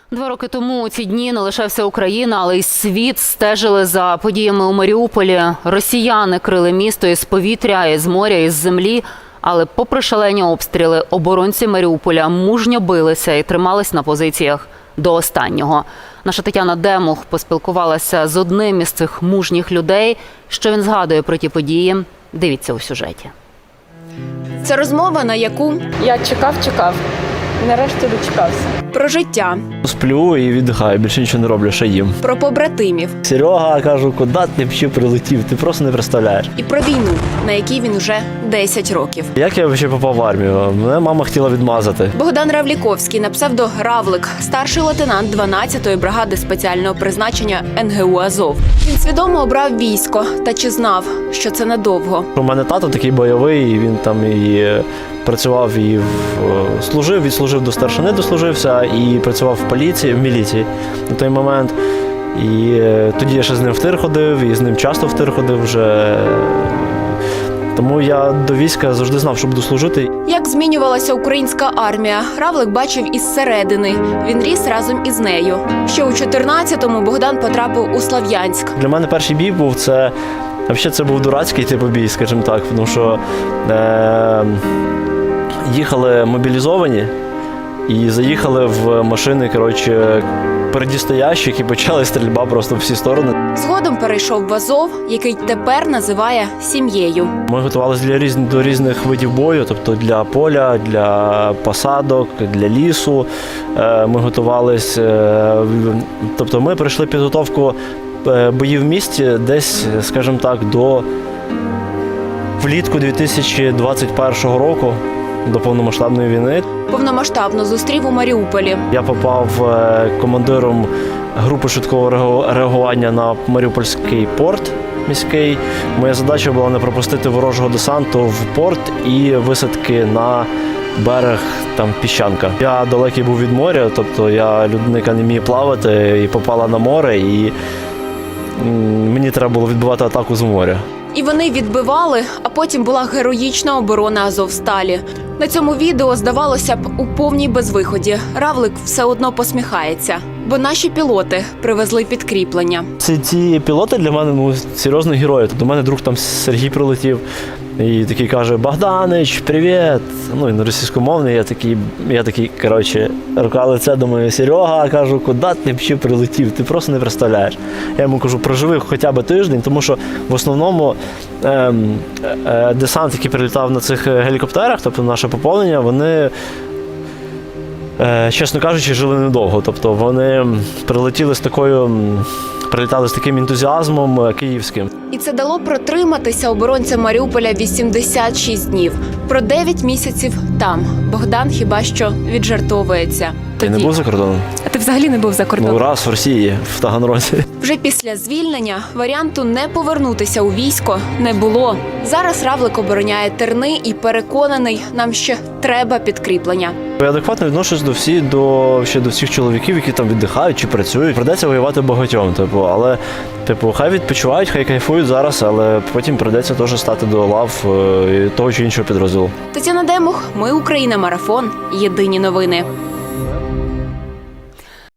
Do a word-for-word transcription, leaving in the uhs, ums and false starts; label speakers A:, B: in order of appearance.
A: Два роки тому у ці дні не лише вся Україна, але й світ стежили за подіями у Маріуполі. Росіяни крили місто із повітря, із моря, із землі. Але попри шалені обстріли, оборонці Маріуполя мужньо билися і тримались на позиціях до останнього. Наша Тетяна Демух поспілкувалася з одним із цих мужніх людей. Що він згадує про ті події, дивіться у сюжеті.
B: Це розмова, на яку
C: Я чекав, чекав. І нарешті дочекався.
B: про життя,
D: Сплю і віддихаю, більше нічого не роблю, ще їм.
B: про побратимів
D: Серега, кажу, куди ти взагалі прилетів? Ти просто не представляєш.
B: і про війну, на якій він уже десять років.
D: Як я взагалі попав в армію? Мене мама хотіла відмазати.
B: Богдан Равліковський на псевдо Равлик, старший лейтенант дванадцятої бригади спеціального призначення ен ге у «Азов». Він свідомо обрав військо, та чи знав, що це надовго.
D: У мене тато такий бойовий, і він там і працював, і в... служив, відслужив до старшини, дослужився, і працював в поліції, в міліції на той момент. І тоді я ще з ним в тир ходив, і з ним часто в тир ходив вже. Тому я до війська завжди знав, що буду служити.
B: Як змінювалася українська армія, Равлик бачив із середини. Він ріс разом із нею. Ще у чотирнадцятому Богдан потрапив у Слов'янськ.
D: Для мене перший бій був, це, взагалі це був дурацький типу бій, скажімо так, тому що е, їхали мобілізовані і заїхали в машини, коротше, передістоящих, і почали стрільба просто в всі сторони.
B: Згодом перейшов в Азов, який тепер називає сім'єю.
D: Ми готувалися для різ... до різних видів бою, тобто для поля, для посадок, для лісу. Е, Ми готувалися, е, тобто ми пройшли підготовку е, боїв в місті десь, скажімо так, до влітку дві тисячі двадцять першого року, до повномасштабної війни.
B: Повномасштабно зустрів у Маріуполі.
D: Я попав е, командиром групи швидкого реагу- реагування на Маріупольський порт міський. Моя задача була не пропустити ворожого десанту в порт і висадки на берег, там піщанка. Я далекий був від моря, тобто я людина, яка не вміє плавати, і попала на море, і м, мені треба було відбивати атаку з моря.
B: І вони відбивали, а потім була героїчна оборона Азовсталі. На цьому відео, здавалося б, у повній безвиході. Равлик все одно посміхається, бо наші пілоти привезли підкріплення.
D: Ці, ці пілоти для мене ну, серйозно герої. До мене друг там Сергій прилетів і такий каже: Богданич, привіт! Ну, він російськомовний, я такий, я такий, коротше, рука лице, думаю, Серега, кажу, куди ти взагалі прилетів? Ти просто не представляєш. Я йому кажу, проживи хоча б тиждень, тому що в основному е, е, десант, який прилітав на цих гелікоптерах, тобто наше поповнення, вони, е, чесно кажучи, жили недовго. Тобто вони прилетіли з такою, прилітали з таким ентузіазмом київським.
B: І це дало протриматися оборонцям Маріуполя вісімдесят шість днів. Про дев'ять місяців там. Богдан хіба що віджартовується.
D: Ти не був за кордоном?
C: А ти взагалі не був за кордоном?
D: Ну, раз в Росії, в Таганрозі.
B: Вже після звільнення варіанту не повернутися у військо не було. Зараз Равлик обороняє Терни і переконаний, нам ще треба підкріплення.
D: Я адекватно відношусь до всіх, до, ще до всіх чоловіків, які там віддихають чи працюють. Придеться воювати багатьом, типу, але типу, хай відпочивають, хай кайфують зараз, але потім придеться теж стати до лав е, того чи іншого підрозділу.
B: Тетяна Демух, Ми Україна, марафон. Єдині новини.